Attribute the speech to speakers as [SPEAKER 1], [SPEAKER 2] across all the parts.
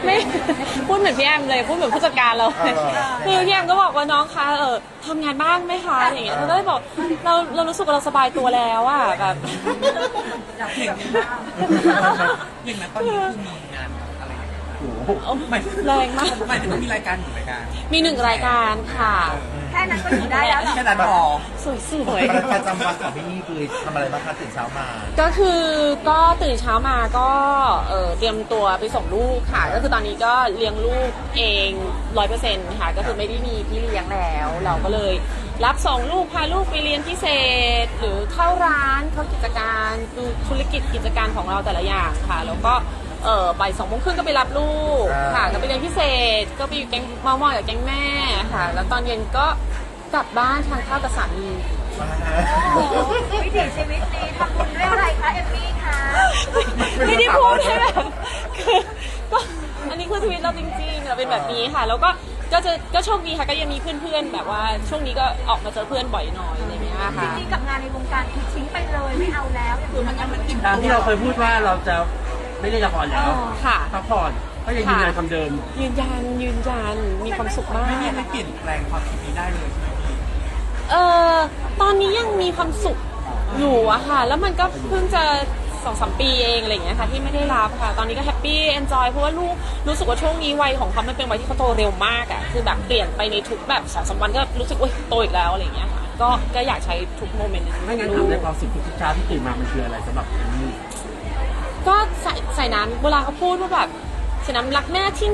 [SPEAKER 1] ไม่พูดเหมือนพี่แอมเลยพูดเหมือนผู้จัดการเราเลยคือพี่แอมก็บอกว่าน้องคะทำงานบ้างไหมคะอย่างเงี้ยเราก็เลยบอกเรารู้สึกว่าเราสบายตัวแล้วอะแบบ
[SPEAKER 2] อยากเห็นอย่างนั้นตอนนี้คือมีงานอะไรโอ้โห
[SPEAKER 1] แรงมาก
[SPEAKER 2] หมายถึงว่ามีรายการอยู่รายการ
[SPEAKER 1] มี1 รายการค่ะ
[SPEAKER 3] แค่นั้นก็อยู่ได้แล้วหรอ
[SPEAKER 2] แค่นั้นพอ
[SPEAKER 1] สวย
[SPEAKER 4] ประจำวันของพี่นี่คือทำอะไรบ้างคะตื่นเช้ามา
[SPEAKER 1] ก็คือก็ตื่นเช้ามาก็เตรียมตัวไปส่งลูกค่ะก็คือตอนนี้ก็เลี้ยงลูกเอง100%ค่ะก็คือไม่ได้มีพี่เลี้ยงแล้วเราก็เลยรับส่งลูกพาลูกไปเรียนพิเศษหรือเข้าร้านเข้ากิจการดูธุรกิจการของเราแต่ละอย่างค่ะแล้วก็บ่าย2:30ก็ไปรับลูกค่ะก็ไปเรียนพิเศษก็ไปอยู่แก๊งเมาๆกับแก๊งแม่ค่ะแล้วตอนเย็นก็กลับบ้านทานข้าวกับสามี
[SPEAKER 3] วิถีชีวิตนี้ทำบุญด้วยอะไรคะเอมมี่คะ
[SPEAKER 1] ไม่ได้พูดใช่ไหมคือก็อันนี้คือชีวิตเราจริงๆเราเป็นแบบนี้ค่ะแล้วก็โชคดีค่ะก็ยังมีเพื่อนๆแบบว่าช่วงนี้ก็ออกมาเจอเพื่อนบ่อยหน่อยอะไรเงี้ยค่ะ
[SPEAKER 3] จริงๆกับงานในวงการคือทิ้งไปเลยไม่เอาแล้ว
[SPEAKER 2] คือมันกิน
[SPEAKER 5] ตามที่เราเคยพูดว่าเราจะไม่ได้ละครแล้ว
[SPEAKER 1] ค่ะ
[SPEAKER 5] พักผ่อนก็ยังยืนยันคำเดิม
[SPEAKER 1] ยืนยันมีความสุขมาก
[SPEAKER 2] ไม่มีอะไรเปลี่ยนแปลงความคิดนี้ได้เลยใช่ไหมพี่
[SPEAKER 1] ตอนนี้ยังมีความสุขอยู่อะค่ะแล้วมันก็เพิ่งจะ2-3 ปีเองอะไรอย่างเงี้ยค่ะที่ไม่ได้รับค่ะตอนนี้ก็แฮปปี้เอนจอยเพราะว่าลูกรู้สึกว่าช่วงนี้วัยของเขามันเป็นวัยที่เขาโตเร็วมากอะคือแบบเปลี่ยนไปในทุกแบบ2-3 วันก็รู้สึกว่าโตอีกแล้วอะไรอย่างเงี้ยค่ะก็อยากใช้ทุกโมเมนต์นั้น
[SPEAKER 5] ไม่งั้นถามในความสุขทุกเช้าที่ตื่นมามันคืออะไรสำหรับเอมมี่
[SPEAKER 1] ก็ใส่น้ำเวลาเขาพูดว่าแบบใส่น้ำรักแม่ที่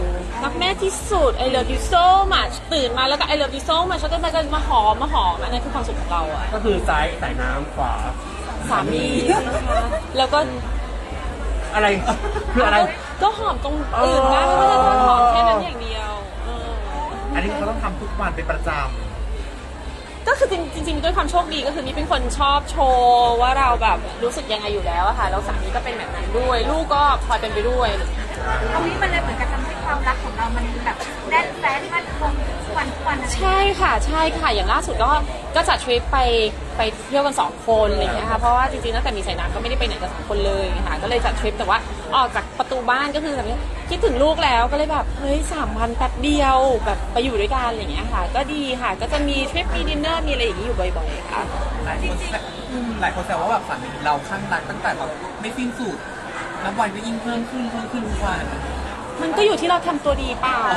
[SPEAKER 1] 1รักแม่ที่สุด I love you so much ตื่นมาแล้วก็ I love you so much แล้วก็มาหอมอันนั้นคือความสุขของเราอะ
[SPEAKER 5] ก็คือซ้ายใส่น้ำขวา
[SPEAKER 1] สามีนะคะแล้วก็
[SPEAKER 5] อะไรคืออะไร
[SPEAKER 1] ก็หอมตรงอื่นบ้างไม่ได้หอมแค่นั้นอย่างเดียว
[SPEAKER 4] อันนี้เขาต้องทำทุกวันเป็นประจำ
[SPEAKER 1] ก็คือจริงๆด้วยความโชคดีก็คือนี่เป็นคนชอบโชว์ว่าเราแบบรู้สึกยังไงอยู่แล้วอะค่ะแล้วสามีก็เป็นแบบนั้นด้วยลูกก็พลอยเป็นไปด้วย
[SPEAKER 3] ตรงนี้มันเลยเหมือนกับทำให้ความรักของเรามันแบบแน่นแฟ้นมั่นคงทุกวันอะไร
[SPEAKER 1] ใช่ค่ะอย่างล่าสุดก็จัดทริปไปเที่ยวกัน2 คนอะไรอย่างเงี้ยค่ะเพราะว่าจริงๆตั้งแต่มีสายน้ำก็ไม่ได้ไปไหนกับ2 คนเลยค่ะก็เลยจัดทริปแต่ว่าออกจากประตูบ้านก็คือแบบคิดถึงลูกแล้วก็เลยแบบเฮ้ย3 วันแป๊บเดียวแบบไปอยู่ด้วยกันอะไรอย่างเงี้ยค่ะก็ดีค่ะก็จะมีทริปมีดินเนอร์มีอะไรอย่างงี้อยู่บ่อยๆค่ะ
[SPEAKER 2] หลายคนแซวว่าแบบฝันเราข้างรักตั้งแต่แบบไม่สิ้นสุดนับวันก็ยิ่งเพิ่มขึ้นทุกวัน
[SPEAKER 1] มันก็อยู่ที่เราทำตัวดีเปล่า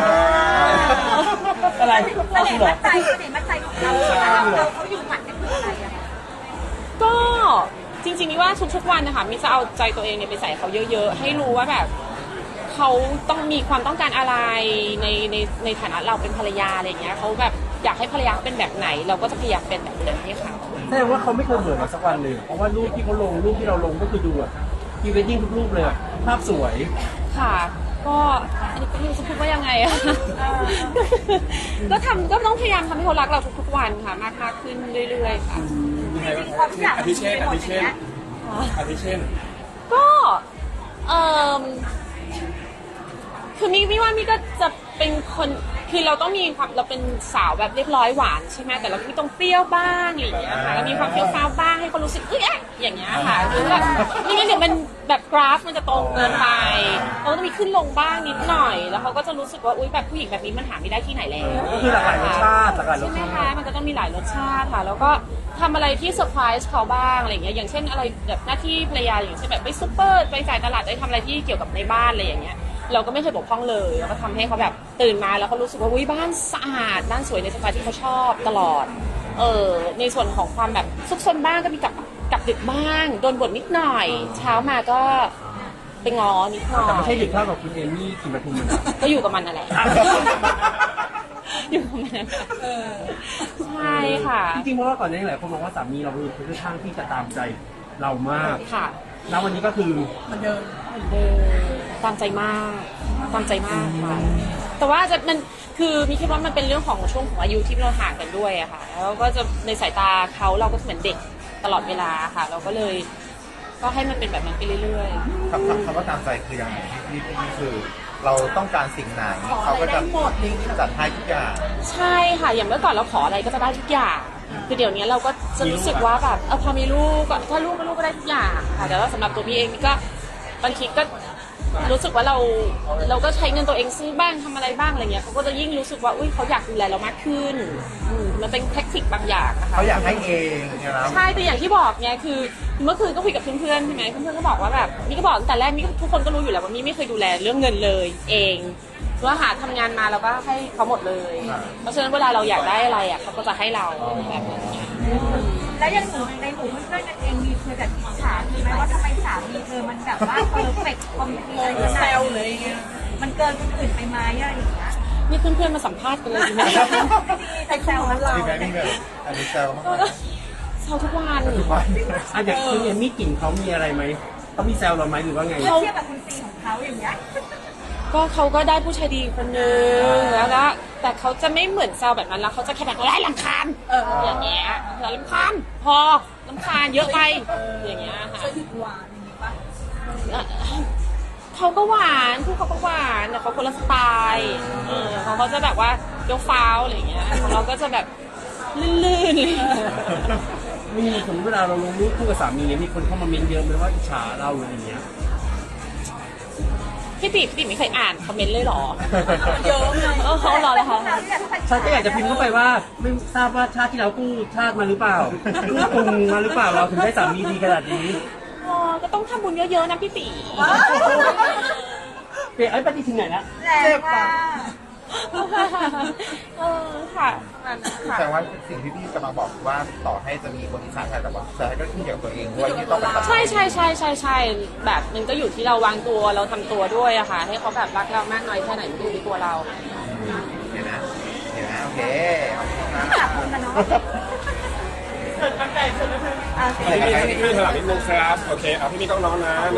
[SPEAKER 5] อะไร
[SPEAKER 3] เสน่ห์มัดใจของเราเขาอยู่หมัดกันคืออะไรอะ
[SPEAKER 1] ก็จริงๆนี่ว่าทุกๆวันนะคะมิจะเอาใจตัวเองเนี่ยไปใส่เขาเยอะๆให้รู้ว่าแบบเขาต้องมีความต้องการอะไรในฐานะเราเป็นภรรยาอะไรอย่างเงี้ยเขาแบบอยากให้ภรรยาเป็นแบบไหนเราก็จะพยายามเป็นแบบนั้นให้เขา
[SPEAKER 5] แสดงว่าเขาไม่เคยเบื่อเราสักวันเลยเพราะว่ารูปที่เขาลงรูปที่เราลงก็คือดูอะพรีเวดดิ้งทุกรูปเลยภาพสวย
[SPEAKER 1] ค่ะก็อันนี้ก็ไม่รู้จะพูดว่ายังไงอะก็ต้องพยายามทำให้เขารักเราทุกๆวันค่ะมากขึ้นเรื่อยๆค่ะ
[SPEAKER 3] จริงๆความอยาก
[SPEAKER 2] อาทิเช่น
[SPEAKER 1] ก็คือมิว่ามิก็จะเป็นคนคือเราต้องมีความเราเป็นสาวแบบเรียบร้อยหวานใช่ไหมแต่เราก็ต้องเปรี้ยวบ้างอย่างเงี้ยค่ะแล้วมีความเปรี้ยวฟ้าวบ้างให้เขารู้สึกอย่างเงี้ยค่ะคือแบบไม่งั้นเดี๋ยวมันแบบกราฟมันจะตรงเกินไปเราต้องมีขึ้นลงบ้างนิดหน่อยแล้วเขาก็จะรู้สึกว่าอุ๊ยแบบผู้หญิงแบบนี้มันหาไม่ได้ที่ไหนแล้ว
[SPEAKER 5] ก็คือหลากหลายรสชาติ
[SPEAKER 1] ใช่ไหมคะมันก็ต้องมีหลายรสชาติค่ะแล้วก็ทำอะไรที่เซอร์ไพรส์เขาบ้างอะไรอย่างเงี้ยอย่างเช่นอะไรแบบหน้าที่ภรรยาอย่างเช่นแบบไปซุปเปอร์ไปจ่ายตลาดไปทำอะไรที่เกี่ยวกับในบ้านอะไรอย่างเงี้ยเราก็ไม่เคยบกพร่องเลยแล้วก็ทำให้เขาแบบตื่นมาแล้วเขารู้สึกว่าอุ้ยบ้านสะอาดบ้านสวยในสไตล์ที่เขาชอบตลอดในส่วนของความแบบซุกซนบ้างก็มีกับดึกบ้างโดนบ่นนิดหน่อยเช้ามาก็ไปง้อนิดหน่อย
[SPEAKER 5] แต่ไม่ใช่ดึกเท่ากับคุณเอมี่กินปทุมมัน
[SPEAKER 1] ก็อยู่กับมันอะไรอยู่กับมันใช่ค่ะ
[SPEAKER 5] จริงๆเพราะว่าก่อนหน้านี้หลายคนมองว่าสามีเราเป็นคนข้างที่จะตามใจเรามาก
[SPEAKER 1] ค่ะ
[SPEAKER 5] แล้ววันนี้ก็คือ
[SPEAKER 2] มันเดิม
[SPEAKER 1] ตามใจมากค่ะแต่ว่ามันคือมีคิดว่ามันเป็นเรื่องของช่วงของอายุที่เราห่างกันด้วยอะค่ะแล้วก็จะในสายตาเขาเราก็เหมือนเด็กตลอดเวลาค่ะเราก็เลยก็ให้มันเป็นแบบนั้นไปเรื่อย
[SPEAKER 4] ๆคำว่าตามใจคือยังไงนี่คือเราต้องการสิ่งไหนเขาก็จะจัดให้ทุกอย่าง
[SPEAKER 1] ใช่ค่ะอย่างเมื่อก่อนเราขออะไรก็จะได้ทุกอย่างคือเดี๋ยวนี้เราก็จะรู้สึกว่าแบบพอมีลูกก็ถ้าลูกก็ได้ทุกอย่างค่ะแต่ว่าสำหรับตัวพี่เองนี่ก็บางทีก็รู้สึกว่าเราก็ใช้เงินตัวเองซื้อบ้างทำอะไรบ้างอะไรเงี้ยเขาก็จะยิ่งรู้สึกว่าอุ้ยเขาอยากดูแลเรามากขึ้นมันเป็นเทคนิคบางอย่างนะคะ
[SPEAKER 4] เขาอยากให้เองนะครับ
[SPEAKER 1] ใช่แต่อย่างที่บอกไงคือเมื่อคืนก็คุยกับเพื่อนๆใช่ไหมเพื่อนๆก็บอกว่าแบบนี่ก็บอกตั้งแต่แรกนี่ทุกคนก็รู้อยู่แล้วว่ามี่ไม่เคยดูแลเรื่องเงินเลยเองว่าหาทำงานมาเราก็ให้เขาหมดเลย เพราะฉะนั้นเวลาเราอยากได้อะไรอ่ะเขาก็จะให้เราแบบนั้นไง
[SPEAKER 3] แล้วยังหนูในหมู่เพื่อนๆกันเองมีเคยแบบอิจฉามีไหมว่าทำไมสามีเธอมันแบบว่าเพอร์เฟกต์คอมพลีทขนาดนี้มันเกินคนอื่นไปไหมอะไรอย่างเงี้ย
[SPEAKER 1] นี่เพื่อนๆมาสัมภาษณ์กันเลยดีไหม
[SPEAKER 3] แต่แซวเรา
[SPEAKER 4] มีไหมมีแบบอันนี้แซวมาก
[SPEAKER 1] ก็เช้าทุกวัน
[SPEAKER 4] ทุกวัน
[SPEAKER 5] อ่ะอย่างคุณเอมมี่กลิ่นเขามีอะไรไหมเขามีแซวเราไหมหรือว่าไง
[SPEAKER 3] เทียบกับคุณซีของเขาอย่างเงี้ย
[SPEAKER 1] ก็เขาก็ได้ผู้ชายดีคนนึงแล้วก็แต่เขาจะไม่เหมือนแซวแบบนั้นแล้วเขาจะแค่แบบไล่รำคาญอย่างเงี้ยรำคาญพอรำคาญเยอะไปอย่างเงี้ยค่ะเขาก็หวานคู่เขาก็หวานแต่เขาคนละสไตล์เขาจะแบบว่าเดี๋ยวฟ้าวอะไรอย่างเงี้ยของเราก็จะแบบลื่นๆ
[SPEAKER 5] มีสมมติเวลาเราลงรูปคู่กับสามีเนี่ยมีคนเข้ามาเมนต์เยอะไหมว่าอิจฉาเราหรืออะไรเงี้ย
[SPEAKER 1] พี่ติ๋มไม่เคยอ่านคอมเมนต์เลยเหรอ
[SPEAKER 3] เยอะเลย
[SPEAKER 1] เขารอเลยค่ะ
[SPEAKER 5] ฉันก็อยากจะพิมพ์เข้าไปว่าไม่ทราบว่าชาติที่เรากู้ชาติมาหรือเปล่ากู้ปรุงมาหรือเปล่าเราถึงได้สามีดีขนาดนี้
[SPEAKER 1] อ๋อก็ต้องทำบุญเยอะๆนะพี่ติ๋ม
[SPEAKER 5] เปลี่ยนไปที่ถึงไหนละ
[SPEAKER 3] แรงมาก
[SPEAKER 1] ค่ะนั่นนะคะ
[SPEAKER 4] แต่ว่าสิ่งที่พี่กำลังบอกว่าต่อให้จะมีคนอิจฉาแต่ว่าแต่ก็ขึ้นอยู่กับตัวเองด้วยที่ต้องไปตัด
[SPEAKER 1] ใช่แบบมันก็อยู่ที่เราวางตัวเราทำตัวด้วยอะค่ะ ให้เขาแบบรักเรามากน้อยแค่ไหนมันอยู่ที่ตัวเรา
[SPEAKER 4] เห็นไหมโอเคขอบคุณนะ
[SPEAKER 3] ขอบคุณนะเนาะ
[SPEAKER 6] พี่มีถามนิดนึงครับ โอเคเอาพี่มีต้องน้องนะ